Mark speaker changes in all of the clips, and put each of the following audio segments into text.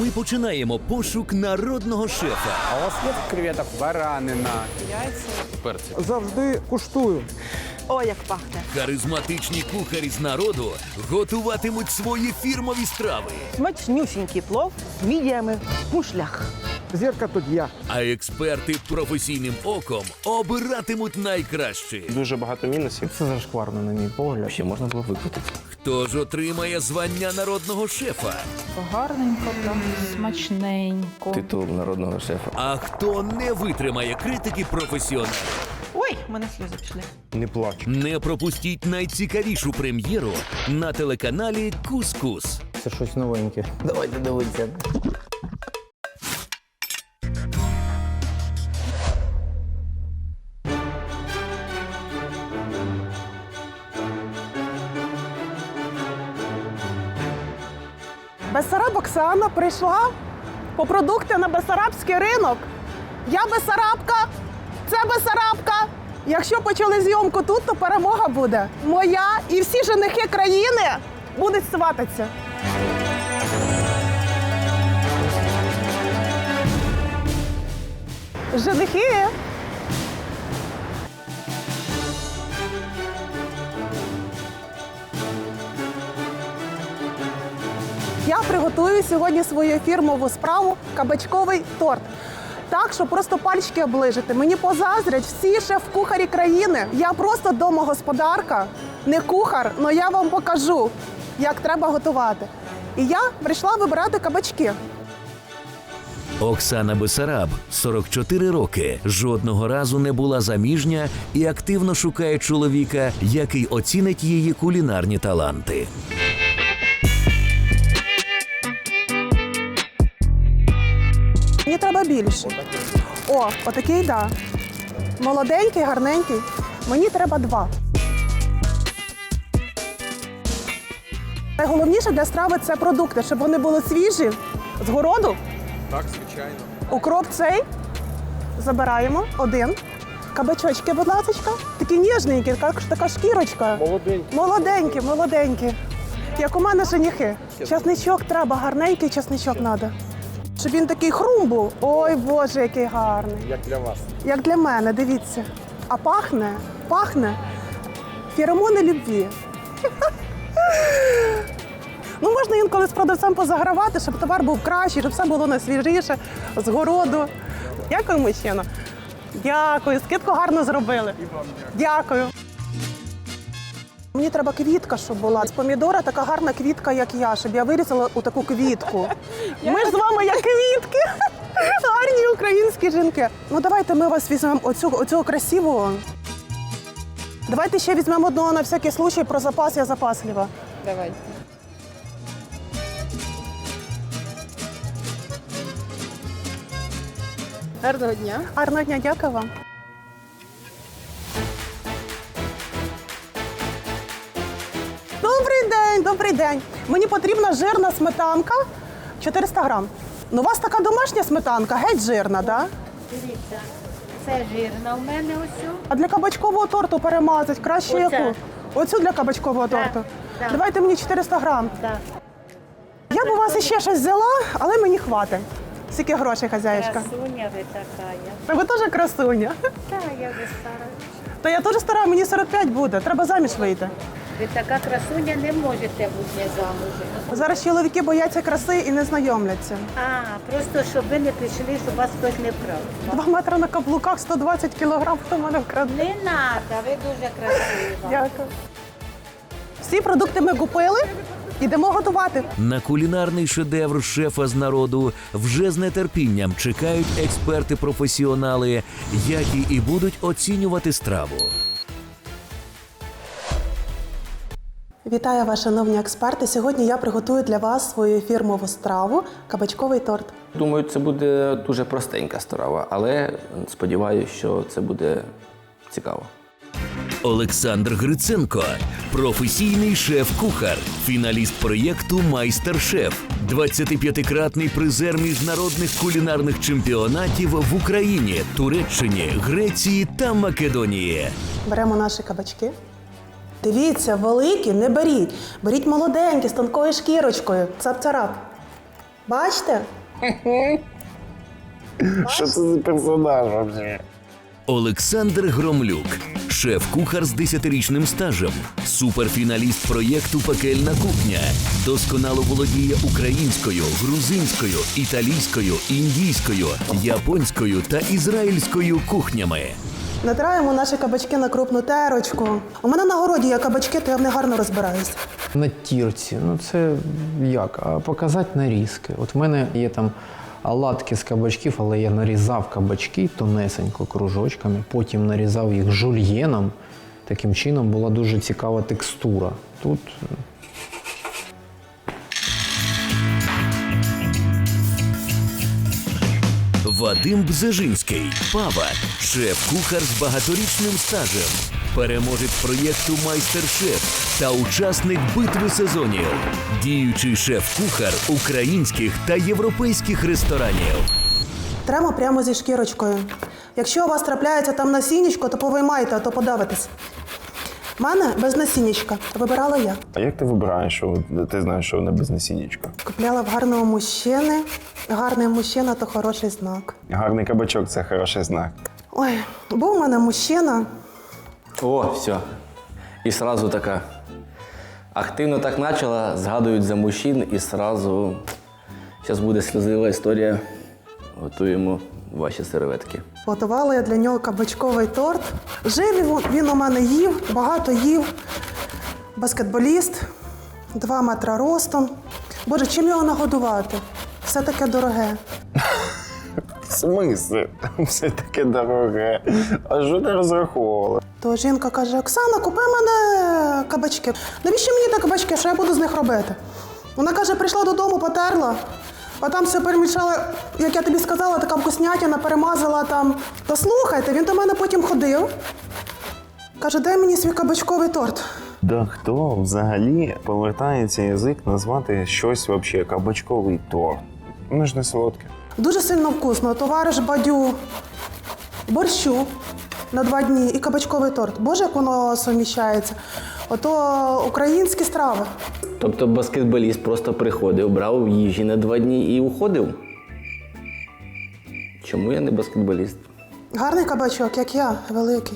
Speaker 1: Ми починаємо пошук народного шефа.
Speaker 2: А у вас є креветок? Баранина.
Speaker 3: Завжди куштую.
Speaker 4: О, як пахне.
Speaker 1: Харизматичні кухарі з народу готуватимуть свої фірмові страви.
Speaker 4: Смачнюсінький плов з мідіями в мушлях.
Speaker 3: Зірка тут я.
Speaker 1: А експерти професійним оком обиратимуть найкраще.
Speaker 5: Дуже багато мінусів.
Speaker 3: Це зашкварно, на мій погляд.
Speaker 5: Ще можна було викрутити.
Speaker 1: Хто ж отримає звання народного шефа?
Speaker 6: Гарненько, прям смачненько.
Speaker 5: Титул народного шефа.
Speaker 1: А хто не витримає критики професіоналів?
Speaker 4: Ой, в мене сльози пішли.
Speaker 5: Не плач.
Speaker 1: Не пропустіть найцікавішу прем'єру на телеканалі «Кус-Кус».
Speaker 3: Це щось новеньке. Давайте дивитися.
Speaker 7: Бессараб Оксана прийшла по продукти на Бессарабський ринок. Я Бессарабка, це Бессарабка. Якщо почали зйомку тут, то перемога буде моя, і всі женихи країни будуть свататися. Женихи. Я приготую сьогодні свою фірмову справу – кабачковий торт. Так, що просто пальчики оближити. Мені позаздрять всі шеф-кухарі країни. Я просто домогосподарка, не кухар, але я вам покажу, як треба готувати. І я прийшла вибирати кабачки.
Speaker 1: Оксана Бессараб, 44 роки, жодного разу не була заміжня і активно шукає чоловіка, який оцінить її кулінарні таланти.
Speaker 7: Мені треба більше. О, отакий, да. Молоденький, гарненький. Мені треба 2. Найголовніше для страви – це продукти, щоб вони були свіжі, з городу.
Speaker 2: Так, звичайно.
Speaker 7: Укроп цей забираємо 1. Кабачочки, будь ласка. Такі ніжненькі, така шкірочка.
Speaker 2: Молоденький.
Speaker 7: Молоденькі, молоденькі. Як у мене женихи. Часничок треба, гарненький часничок треба. Щоб він такий хрум був. Ой, Боже, який гарний.
Speaker 2: Як для вас.
Speaker 7: Як для мене, дивіться. А пахне, пахне феромони любві. Ну, можна інколи з продавцем позагравати, щоб товар був кращий, щоб все було найсвіжіше, з городу. Дякую, мужчина. Дякую, скидку гарно зробили. Дякую. Мені треба квітка, щоб була. З помідора така гарна квітка, як я, щоб я вирізала у таку квітку. Ми ж з вами як квітки. Гарні українські жінки. Ну давайте ми вас візьмемо оцього красивого. Давайте ще візьмемо одного на всякий случай, про запас я запаслива.
Speaker 6: Давайте. Гарного дня.
Speaker 7: Гарного дня, дякую вам. Добрий день, добрий день. Мені потрібна жирна сметанка, 400 грам. Ну, у вас така домашня сметанка, геть жирна, так? Да?
Speaker 8: Дивіться, це жирна у мене ось.
Speaker 7: А для кабачкового торту перемазати краще
Speaker 8: Оце.
Speaker 7: яку? Оцю для кабачкового
Speaker 8: Так,
Speaker 7: торту?
Speaker 8: так.
Speaker 7: Давайте мені 400 грам.
Speaker 8: Так.
Speaker 7: Я б у вас іще щось взяла, але мені хватить. Скільки грошей, хазяєчка?
Speaker 8: Красуня ви така.
Speaker 7: Ви теж красуня.
Speaker 8: Так, я вже стара.
Speaker 7: Та я теж стара, мені 45 буде, треба заміж вийти.
Speaker 8: Ви така красуня, не можете бути замужем.
Speaker 7: Зараз чоловіки бояться краси і не знайомляться.
Speaker 8: А, просто щоб ви не пішли, щоб вас хтось не вкрав.
Speaker 7: 2 метри на каблуках, 120 кілограм, хто мене вкраде.
Speaker 8: Не треба, ви дуже красива.
Speaker 7: Дякую. Всі продукти ми купили, ідемо готувати.
Speaker 1: На кулінарний шедевр шефа з народу вже з нетерпінням чекають експерти-професіонали, які і будуть оцінювати страву.
Speaker 7: Вітаю вас, шановні експерти. Сьогодні я приготую для вас свою фірмову страву – кабачковий торт.
Speaker 5: Думаю, це буде дуже простенька страва, але сподіваюся, що це буде цікаво.
Speaker 1: Олександр Гриценко – професійний шеф-кухар, фіналіст проєкту «Майстер-шеф», 25-кратний призер міжнародних кулінарних чемпіонатів в Україні, Туреччині, Греції та Македонії.
Speaker 7: Беремо наші кабачки. Дивіться, великі не беріть. Беріть молоденькі, з тонкою шкірочкою. Цап-царап. Бачите?
Speaker 3: Що це за персонаж взагалі?
Speaker 1: Олександр Громлюк, шеф-кухар з 10-річним стажем, суперфіналіст проєкту «Пекельна кухня», досконало володіє українською, грузинською, італійською, індійською, японською та ізраїльською кухнями.
Speaker 7: Натираємо наші кабачки на крупну терочку. У мене на городі є кабачки, то я в них гарно розбираюся.
Speaker 3: На тірці, ну це як? А показати нарізки. От в мене є там оладки з кабачків, але я нарізав кабачки тонесенько кружочками, потім нарізав їх жульєном. Таким чином була дуже цікава текстура. Тут
Speaker 1: Вадим Бзежинський, Пава, шеф-кухар з багаторічним стажем, переможець проєкту «Майстер-шеф» та учасник битви сезонів, діючий шеф-кухар українських та європейських ресторанів.
Speaker 7: Тремо прямо зі шкірочкою. Якщо у вас трапляється там насіннячко, то повиймайте, а то подавитесь. У мене без насіннячка. Вибирала я.
Speaker 9: А як ти вибираєш, що ти знаєш, що вона без насіннячка?
Speaker 7: Купляла в гарного мужчини. Гарний мужчина – то хороший знак.
Speaker 9: Гарний кабачок – це хороший знак.
Speaker 7: Ой, був у мене мужчина.
Speaker 5: О, все. І сразу така. Активно так почала, згадують за мужчин і сразу. Зараз буде сльозлива історія. Готуємо ваші серветки.
Speaker 7: Готувала я для нього кабачковий торт. Жив він у мене їв, багато їв. Баскетболіст, 2 метри ростом. Боже, чим його нагодувати? Все таке дороге.
Speaker 9: В смислі? Все таке дороге. А що ти розраховувала?
Speaker 7: То жінка каже: Оксана, купи мене кабачки. Навіщо мені ті кабачки, що я буду з них робити? Вона каже, прийшла додому, потерла, а там все перемішала, як я тобі сказала, така вкуснятина, перемазала там. Та слухайте, він до мене потім ходив. Каже, дай мені свій кабачковий торт.
Speaker 9: Да хто взагалі повертається язик назвати щось взагалі кабачковий торт? Воно ж не солодке.
Speaker 7: Дуже сильно вкусно. Товариш Бадю, борщу на 2 дні і кабачковий торт. Боже, як воно суміщається. Ото українські страви.
Speaker 5: Тобто баскетболіст просто приходив, брав їжі на 2 дні і уходив? Чому я не баскетболіст?
Speaker 7: Гарний кабачок, як я, великий.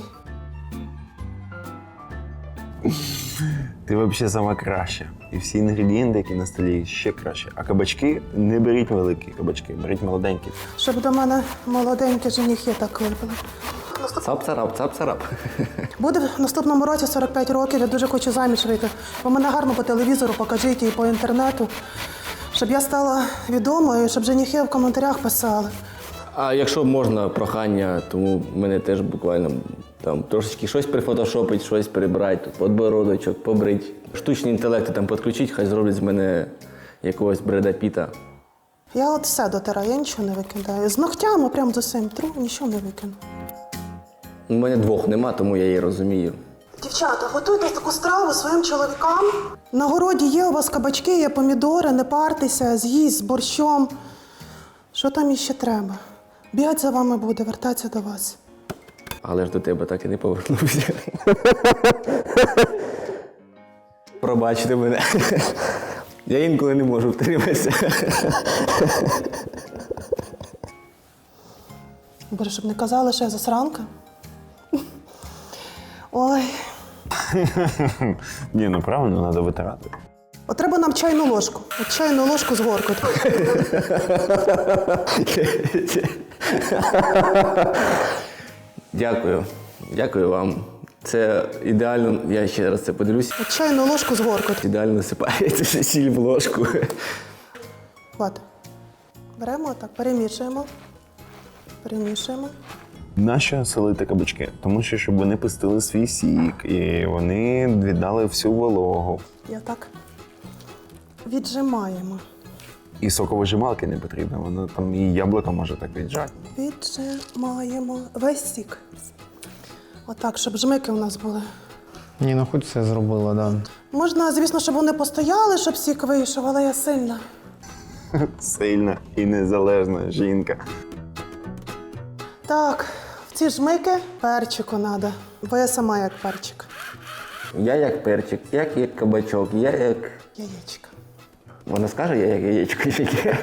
Speaker 9: Ти взагалі сама краща. І всі інгредієнти, які на столі, ще краще. А кабачки не беріть великі кабачки, беріть молоденькі.
Speaker 7: Щоб до мене молоденькі женихи так випили.
Speaker 5: Цап-царап, цап-царап.
Speaker 7: Буде в наступному році 45 років, я дуже хочу заміж вийти. Ви мене гарно по телевізору покажіть і по інтернету, щоб я стала відомою, і щоб женихи в коментарях писали.
Speaker 5: А якщо можна, прохання, тому мене теж буквально там трошечки щось прифотошопить, щось прибрати, тут подбородочок, побрить. Штучні інтелекти там підключить, хай зроблять з мене якогось Бреда Піта.
Speaker 7: Я от все дотираю, я нічого не викидаю. З ногтями прям з усім тру, нічого не викину.
Speaker 5: У мене 2 нема, тому я її розумію.
Speaker 7: Дівчата, готуйте таку страву своїм чоловікам. На городі є у вас кабачки, є помідори, не партеся, з'їсть з борщом. Що там іще треба? Бігать за вами буде, вертатися до вас.
Speaker 5: Але ж до тебе так і не повернувся. Пробачте мене. Я інколи не можу втриматися.
Speaker 7: Боже, щоб не казали, що я засранка. Ой.
Speaker 9: Ні, ну правильно, треба витирати.
Speaker 7: От треба нам чайну ложку. От чайну ложку з горкою.
Speaker 5: Дякую. Дякую вам. Це ідеально, я ще раз це подивлюсь.
Speaker 7: От чайну ложку з горкою.
Speaker 5: Ідеально насипається сіль в ложку.
Speaker 7: От. Беремо так, перемішуємо. Перемішуємо.
Speaker 9: Нащо солити кабачки? Тому що, щоб вони пустили свій сік, і вони віддали всю вологу.
Speaker 7: Я так віджимаємо.
Speaker 9: І соковижималки не потрібно, воно там і яблуко може так віджати.
Speaker 7: Віджимаємо весь сік. Отак, щоб жмики у нас були.
Speaker 3: ні, ну хоч це зробила, да.
Speaker 7: Можна, звісно, щоб вони постояли, щоб сік вийшов, але я сильна.
Speaker 9: Сильна і незалежна жінка.
Speaker 7: Так, в ці жмики перчику треба, бо я сама як перчик.
Speaker 5: Я як перчик, як кабачок, я як...
Speaker 7: Яєчка.
Speaker 5: Вона скаже, я як яєчко яке.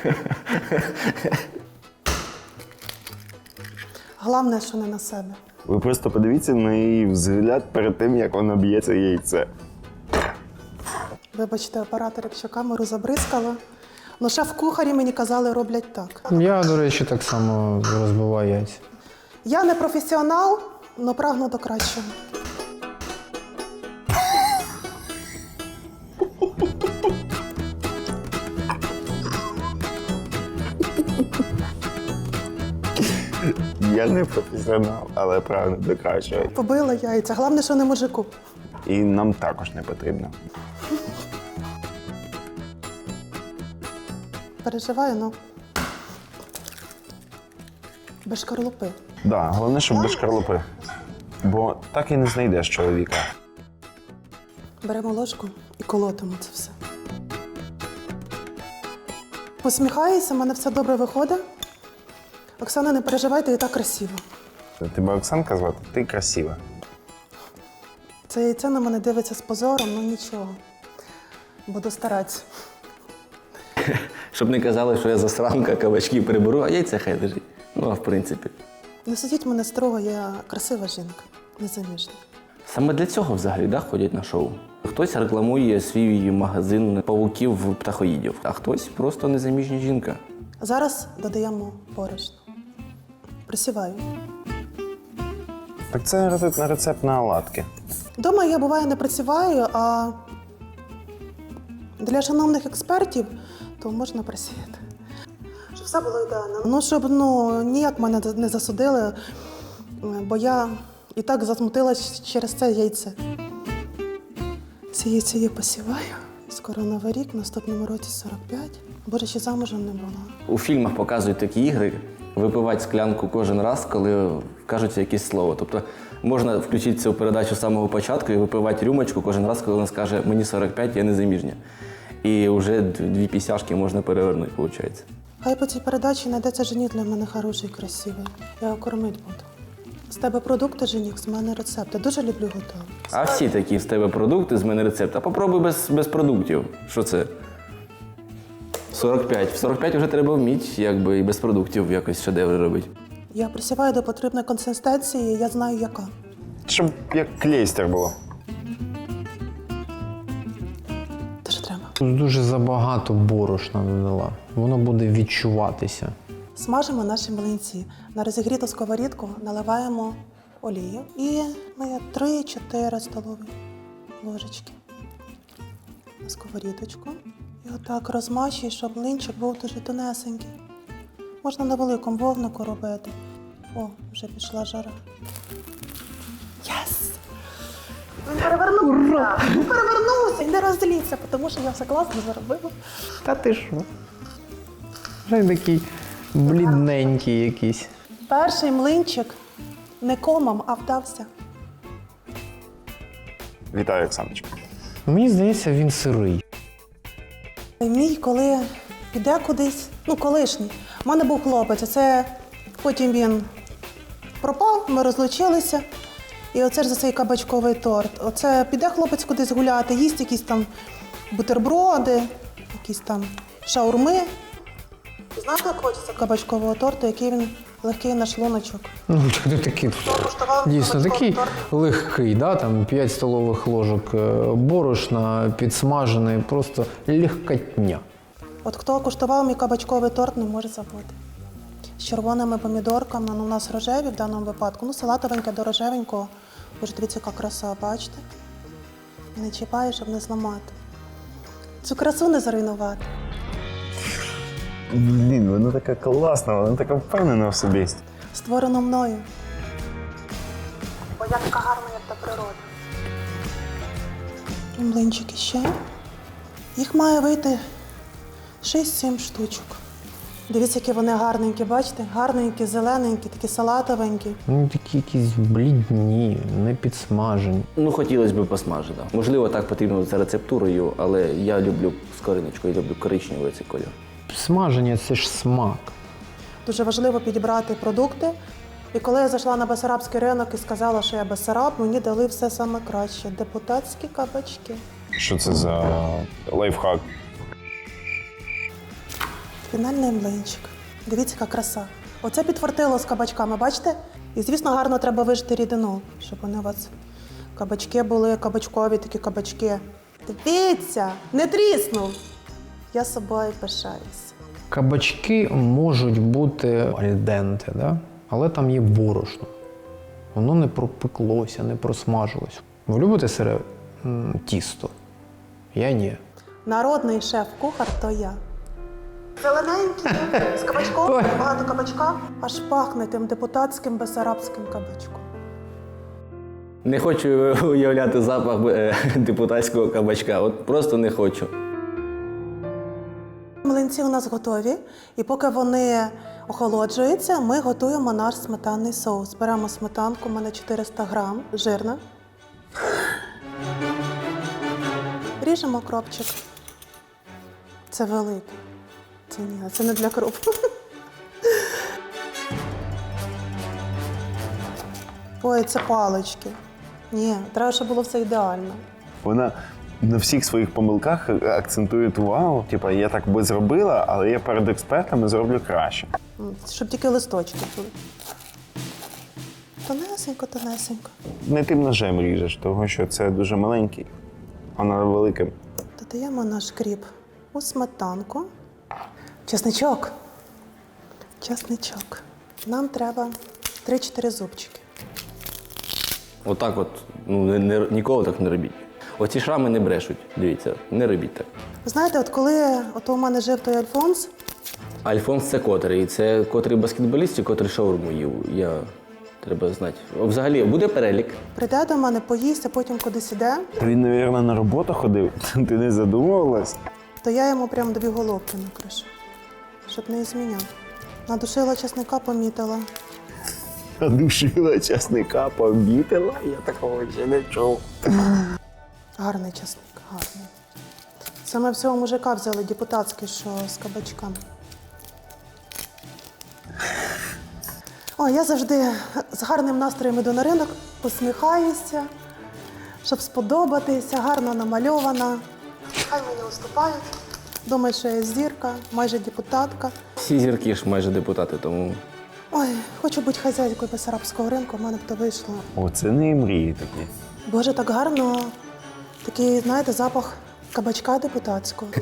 Speaker 7: Головне, що не на себе.
Speaker 9: Ви просто подивіться на її взгляд перед тим, як вона б'є це яйце.
Speaker 7: Вибачте, оператор, якщо камеру забризкала. Ну, шеф-кухарі мені казали, роблять так.
Speaker 3: Я, до речі, так само розбиваю яйця.
Speaker 7: Я не професіонал, але прагну до кращого.
Speaker 9: Я не професіонал, але прагну до кращого.
Speaker 7: Побила яйця. Головне, що не мужику.
Speaker 9: І нам також не потрібно.
Speaker 7: Переживаю, ну. Без шкарлупи.
Speaker 9: Да, головне, щоб без шкарлупи. Бо так і не знайдеш чоловіка.
Speaker 7: Беремо ложку і колотимо це все. Посміхаюся, в мене все добре виходить. Оксана, не переживайте, і так красиво.
Speaker 9: Тебе Оксанка звати? Ти красива.
Speaker 7: Це яйце на мене дивиться з позором, ну нічого. Буду старатися.
Speaker 5: Щоб не казали, що я засранка, кабачки приберу, а яйця хай лежить. Ну, а в принципі.
Speaker 7: Не судіть мене строго, я красива жінка, незаміжня.
Speaker 5: Саме для цього взагалі да, ходять на шоу. Хтось рекламує свій магазин павуків-птахоїдів, а хтось просто незаміжня жінка.
Speaker 7: Зараз додаємо борошно. Присіваю.
Speaker 9: Так це рецепт на оладки.
Speaker 7: Дома я буває не присіваю, а для шановних експертів то можна присіяти. Щоб все було ідеально. Ну, щоб ніяк мене не засудили, бо я і так засмутилась через це яйце. Це яйце я посіваю. Скоро Новий рік, в наступному році 45. Боже, ще замужем не була.
Speaker 5: У фільмах показують такі ігри, випивати склянку кожен раз, коли кажуть якесь слово. Тобто можна включити цю передачу з самого початку і випивати рюмочку кожен раз, коли вона скаже «мені 45, я не заміжня». І вже 2 пісяшки можна перевернути, виходить.
Speaker 7: Хай по цій передачі знайдеться жених для мене хороший, красивий. Я його кормити буду. З тебе продукти, жених, з мене рецепти. Дуже люблю готувати.
Speaker 5: А всі такі з тебе продукти, з мене рецепт. А попробуй без продуктів. Що це? 45. В 45 вже треба вміти, якби і без продуктів якось шедеври робити.
Speaker 7: Я присіваю до потрібної консистенції, я знаю, яка.
Speaker 9: Щоб як клейстер було.
Speaker 7: Те, що треба.
Speaker 3: Тут дуже забагато борошна додала. Воно буде відчуватися.
Speaker 7: Смажимо наші млинці. На розігріту сковорідку наливаємо олію і 3-4 столові ложечки на сковорідочку. І отак розмащуй, щоб млинчик був дуже тонесенький. Можна на великому вогнику робити. О, вже пішла жара. Єс! Він перевернувся! Він перевернувся! Не розліться, тому що я все класно зробила.
Speaker 3: Та ти що? Вже такий блідненький якийсь.
Speaker 7: Перший млинчик не комом, а вдався.
Speaker 9: Вітаю, Оксаночка.
Speaker 3: Мені здається, він сирий.
Speaker 7: Мій, коли піде кудись, колишній. У мене був хлопець, це потім він пропав, ми розлучилися. І оце ж за цей кабачковий торт. Оце піде хлопець кудись гуляти, їсть якісь там бутерброди, якісь там шаурми. Знаєте, як хочеться кабачкового торту, який він легкий на шлуночок?
Speaker 3: Ну, ти такий, дійсно, такий легкий, да? Там 5 столових ложок борошна, підсмажений, просто легкотня.
Speaker 7: От хто куштував мій кабачковий торт, не може забути. З червоними помідорками, у нас рожеві в даному випадку, салатовеньке до рожевенького. Боже, дивіться, яка краса, бачите? Не чіпаю, щоб не зламати. Цю красу не зруйнувати.
Speaker 9: Блін, вона така класна, вона така впевнена в собі.
Speaker 7: Створено мною. Бо я така гарна, як та природа. Млинчики ще. Їх має вийти 6-7 штучок. Дивіться, які вони гарненькі, бачите? Гарненькі, зелененькі, такі салатовенькі.
Speaker 3: Ну, такі якісь блідні, не підсмажені.
Speaker 5: Ну, хотілося б посмажити. Можливо, так потрібно за рецептурою, але я люблю з кориночкою, люблю коричневий цей колір.
Speaker 3: Смаження – це ж смак.
Speaker 7: Дуже важливо підібрати продукти. І коли я зайшла на Бессарабський ринок і сказала, що я Бессараб, мені дали все саме краще – депутатські кабачки.
Speaker 9: Що це за лайфхак?
Speaker 7: Фінальний млинчик. Дивіться, яка краса. Оце підфартило з кабачками, бачите? І, звісно, гарно треба вижити рідину, щоб вони у вас кабачки були, кабачкові такі кабачки. Дивіться, не тріснув. Я собою пишаюсь.
Speaker 3: Кабачки можуть бути альденте, да? Але там є борошно. Воно не пропеклося, не просмажилось. Ви любите сире тісто? Я ні.
Speaker 7: Народний шеф-кухар то я. Зелененький, з кабачком, багато кабачка, аж пахне тим депутатським бесарабським кабачком.
Speaker 5: Не хочу уявляти запах депутатського кабачка. От просто не хочу.
Speaker 7: Млинці у нас готові, і поки вони охолоджуються, ми готуємо наш сметанний соус. Беремо сметанку, у мене 400 грам, жирна. Ріжемо кропчик. Це великий. Це ні, це не для круп. Ой, це палички. Ні, треба, щоб було все ідеально.
Speaker 9: Вона на всіх своїх помилках акцентує увагу. Типа, я так би зробила, але я перед експертами зроблю краще.
Speaker 7: Щоб тільки листочки були. Тонесенько, тонесенько.
Speaker 9: Не тим ножем ріжеш, тому що це дуже маленький, а на великим.
Speaker 7: Додаємо наш кріп у сметанку. Чесничок. Чесничок. Нам треба 3-4 зубчики.
Speaker 5: Отак от, ніколи так не робіть. Оці шрами не брешуть, дивіться, не робіть так.
Speaker 7: Ви знаєте, от коли у мене жив той Альфонс,
Speaker 5: Альфонс це котрий? Це котрий баскетболіст чи котрий шаурму їв? Треба знати. Взагалі, буде перелік?
Speaker 7: прийде до мене, поїсть, а потім кудись іде,
Speaker 9: Він, мабуть, на роботу ходив. Ти не задумувалась?
Speaker 7: то я йому прямо 2 головки накришу, щоб не зміняв. Надушила чесника, помітила.
Speaker 9: Душила часника, пообітила, я такого ще не чув.
Speaker 7: Гарний чесник, гарний. Саме всього мужика взяли депутатський, що з кабачками. Ой, я завжди з гарним настроєм іду на ринок, посміхаюся, щоб сподобатися, гарно намальована. Хай мені уступають. Думають, що я зірка, майже депутатка.
Speaker 5: Всі зірки ж майже депутати, тому
Speaker 7: Ой, хочу бути хазяйкою Бессарабського ринку, в мене б то вийшло.
Speaker 9: О, це не мрії такі.
Speaker 7: Боже, так гарно. Такий, знаєте, запах кабачка депутатського.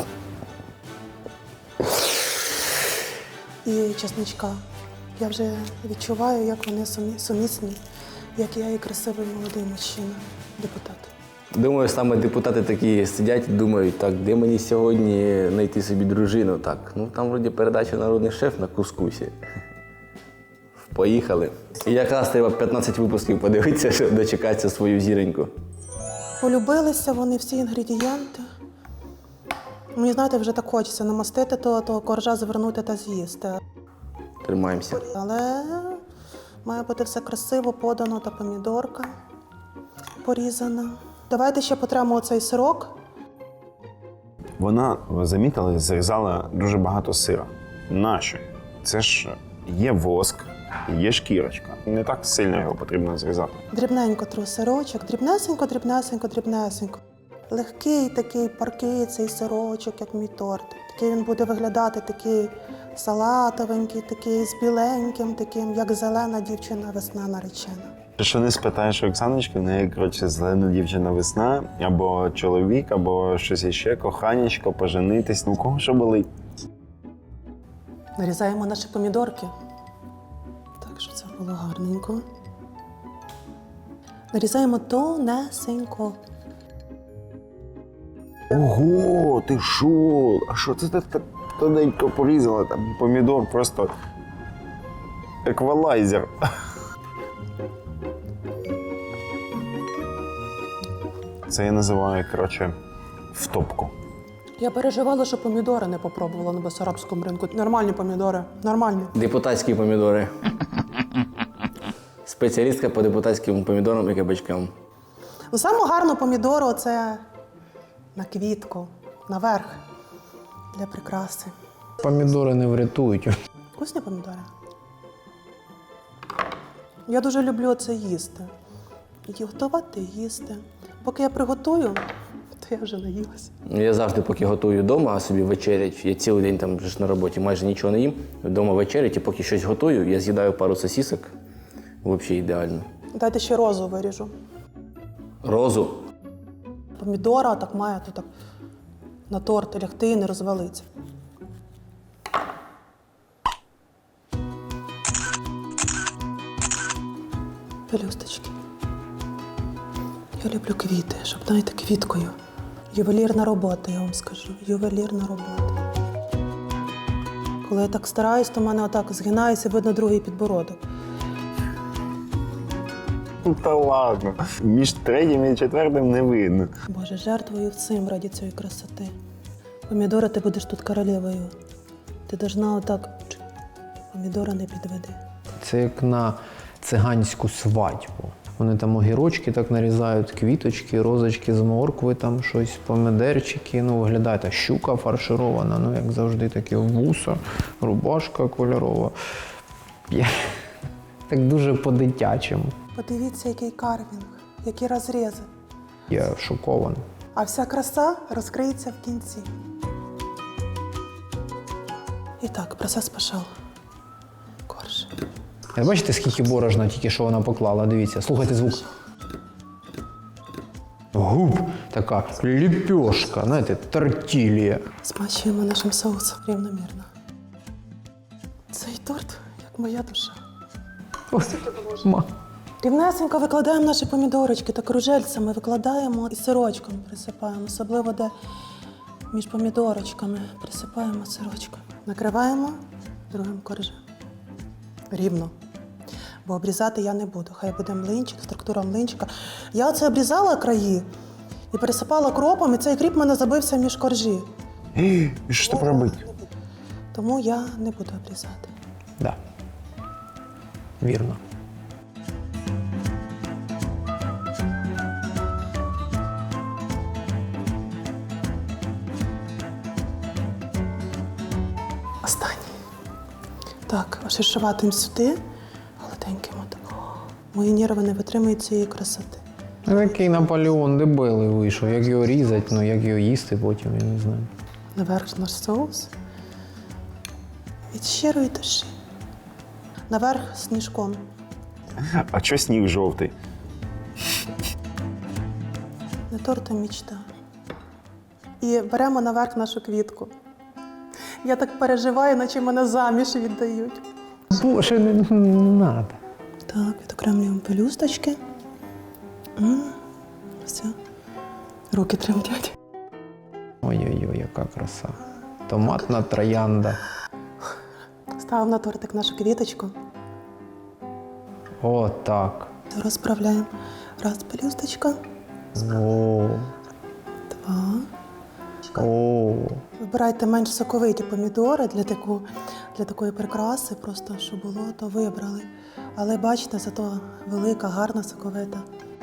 Speaker 7: І чесничка. Я вже відчуваю, як вони сумісні, як я і красивий молодий мужчина, депутат.
Speaker 5: думаю, саме депутати такі сидять і думають, так, де мені сьогодні знайти собі дружину? Так, там вроді передача «Народний шеф» на кускусі. Поїхали. І якраз треба 15 випусків подивитися, щоб дочекатися свою зіроньку.
Speaker 7: Полюбилися вони всі інгредієнти. Мені, знаєте, вже так хочеться намастити того коржа, завернути та з'їсти.
Speaker 5: Тримаємося.
Speaker 7: Але має бути все красиво, подано та помідорка порізана. Давайте ще потремо оцей сирок.
Speaker 9: Вона, ви замітили, зрізала дуже багато сира. Нащо? Це ж є воск, є шкірочка. Не так сильно його потрібно зрізати.
Speaker 7: Дрібненько тру сирочок, дрібнесенько, дрібнесенько, дрібнесенько. Легкий такий, паркий цей сирочок, як мій торт. Такий він буде виглядати такий салатовенький, такий з біленьким, таким, як зелена дівчина весна наречена.
Speaker 9: Якщо не спитаєш Оксаночки, в неї, коротше, зелена дівчина весна, або чоловік, або щось іще, коханечко, поженитись. У кого що болить?
Speaker 7: Нарізаємо наші помідорки. Так, щоб це було гарненько. Нарізаємо тонесенько.
Speaker 9: Ого, ти що? А що це ти так тоненько порізала? Там помідор просто еквалайзер. Це я називаю, коротше, втопку.
Speaker 7: Я переживала, що помідори не попробувала на Бессарабському ринку. Нормальні помідори, нормальні.
Speaker 5: Депутатські помідори. Спеціалістка по депутатським помідорам і кабачкам.
Speaker 7: Саме гарно помідору – це на квітку, наверх, для прикраси.
Speaker 3: Помідори не врятують.
Speaker 7: Вкусні помідори. Я дуже люблю це їсти. І готувати, і їсти. Поки я приготую, то то я вже наїлася.
Speaker 5: Я завжди, поки готую вдома, собі вечерять, я цілий день там вже ж на роботі майже нічого не їм, вдома вечерять, і поки щось готую, я з'їдаю пару сосісок. Взагалі ідеально.
Speaker 7: Дайте ще розу виріжу.
Speaker 5: Розу.
Speaker 7: Помідора так має тут так на торт лягти і не розвалиться. Пелюсточки. Я люблю квіти, щоб, знаєте, квіткою. Ювелірна робота, я вам скажу. Ювелірна робота. Коли я так стараюсь, то в мене отак згинається, видно другий підбородок.
Speaker 9: Та ладно. Між третім і четвертим не видно.
Speaker 7: Боже, жертвую всім раді цієї красоти. Помідора, ти будеш тут королевою. Ти должна отак, помідора не підведи.
Speaker 3: Це як на циганську свадьбу. Вони там огірочки так нарізають, квіточки, розочки з моркви, там щось, помидерчики. Ну, виглядає та щука фарширована, ну, як завжди, такі вуса, рубашка кольорова. Так дуже по-дитячому.
Speaker 7: Подивіться, який карвінг, які розрізи.
Speaker 3: Я шокований.
Speaker 7: А вся краса розкриється в кінці. І так, процес пішов. Корж.
Speaker 3: Бачите, скільки борошна тільки що вона поклала? Дивіться, слухайте звук. Губ, така ліпешка, знаєте, тортілія.
Speaker 7: Смачуємо нашим соусом рівномірно. Цей торт, як моя душа. Рівнесенько викладаємо наші помідорочки та кружельцями викладаємо і сирочком присипаємо, особливо де між помідорочками присипаємо сирочком. Накриваємо другим коржем. Рівно. Бо обрізати я не буду. Хай буде млинчик, структура млинчика. Я оце обрізала краї і пересипала кропом, і цей кріп в мене забився між коржі.
Speaker 9: І що тепер робити?
Speaker 7: Тому я не буду обрізати.
Speaker 3: Да. Вірно.
Speaker 7: Останній. Так, ошишуватим сюди, гладеньким отак. Мої нерви не витримують цієї красоти.
Speaker 3: Такий Наполеон дебелий вийшов. Як його різати, ну як його їсти потім, я не знаю.
Speaker 7: Наверх наш соус. Від щирої душі. Наверх сніжком.
Speaker 9: А чого сніг жовтий?
Speaker 7: Не торт, а мічта. І беремо наверх нашу квітку. Я так переживаю, наче мене заміж віддають.
Speaker 3: Боже, не треба.
Speaker 7: Так, відокремлюємо пелюсточки. Все. Руки тремтять.
Speaker 3: Ой-ой-ой, яка краса. Томатна троянда.
Speaker 7: Ставимо на тортик нашу квіточку.
Speaker 3: О, так.
Speaker 7: Розправляємо. Раз пелюсточка.
Speaker 3: О,
Speaker 7: Два.
Speaker 3: о.
Speaker 7: Вибирайте менш соковиті помідори для такої прикраси, просто щоб було, то вибрали. Але бачите, зато велика, гарна, соковита.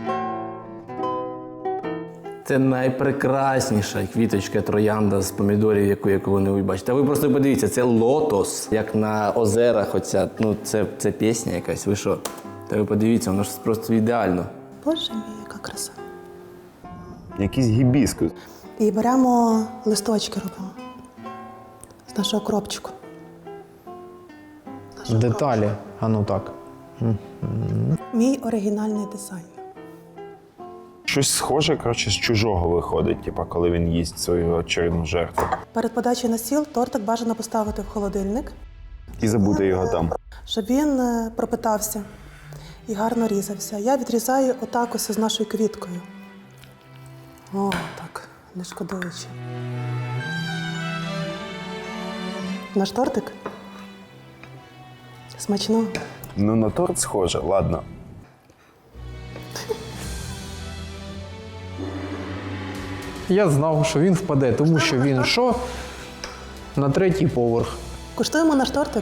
Speaker 5: Це найпрекрасніша квіточка троянда з помідорів, яку ви бачите. А ви просто подивіться, це лотос, як на озерах оця. Ну, це пісня якась, ви що? Та ви подивіться, воно ж просто ідеально.
Speaker 7: Боже мій, яка краса.
Speaker 9: Якийсь гібіскус.
Speaker 7: І беремо листочки, робимо з нашого кропчику.
Speaker 3: Деталі. А ну так.
Speaker 7: Мій оригінальний дизайн.
Speaker 9: Щось схоже, коротше, з чужого виходить, типа, коли він їсть свою очередну жертву.
Speaker 7: Перед подачею на стіл тортик бажано поставити в холодильник,
Speaker 9: І забути його там.
Speaker 7: щоб він пропитався і гарно різався. Я відрізаю отак ось з нашою квіткою. О, так, не шкодуючи. Наш тортик? Смачно.
Speaker 9: Ну, на торт схоже, ладно.
Speaker 3: Я знав, що він впаде, тому що він що? На третій поверх.
Speaker 7: Куштуємо наш тортик?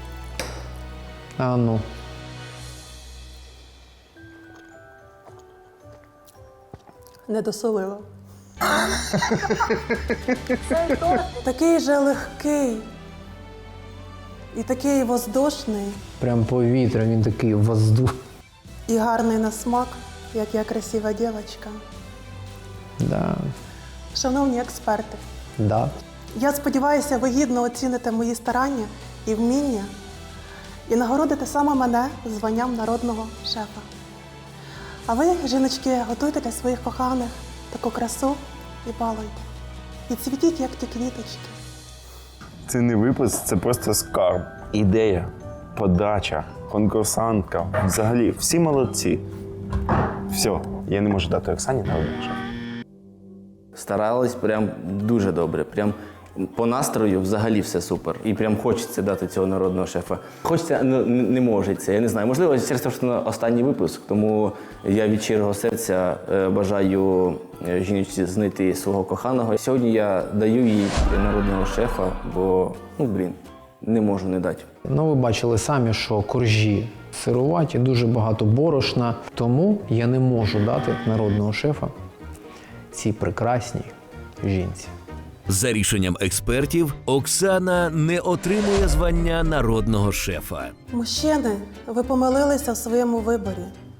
Speaker 3: А ну.
Speaker 7: Не досолила. Такий же легкий і такий воздушний,
Speaker 3: Прям повітря, він такий воздух.
Speaker 7: і гарний на смак, як я красива дівчинка.
Speaker 3: Да.
Speaker 7: Шановні експерти,
Speaker 3: Да.
Speaker 7: я сподіваюся, ви гідно оціните мої старання і вміння і нагородите саме мене званням народного шефа. А ви, жіночки, готуйте для своїх коханих таку красу і балуйте. І цвітіть, як ті квіточки.
Speaker 9: Це не випуск, це просто скарб. Ідея, подача, конкурсантка. Взагалі, всі молодці. Все, я не можу дати Оксані народного шефа.
Speaker 5: Старались прям дуже добре. Прям по настрою взагалі все супер. І прям хочеться дати цього народного шефа. Хочеться, ну, не можеться. Я не знаю. Можливо, через те, що це останній випуск, тому я від щирого серця бажаю жіночці знайти свого коханого. Сьогодні я даю їй народного шефа, бо, не можу не дати.
Speaker 3: Ну, ви бачили самі, що коржі сируваті, дуже багато борошна. Тому я не можу дати народного шефа цій прекрасній жінці.
Speaker 1: За рішенням експертів, Оксана не отримує звання народного шефа.
Speaker 7: Мужчини, ви помилилися в своєму виборі.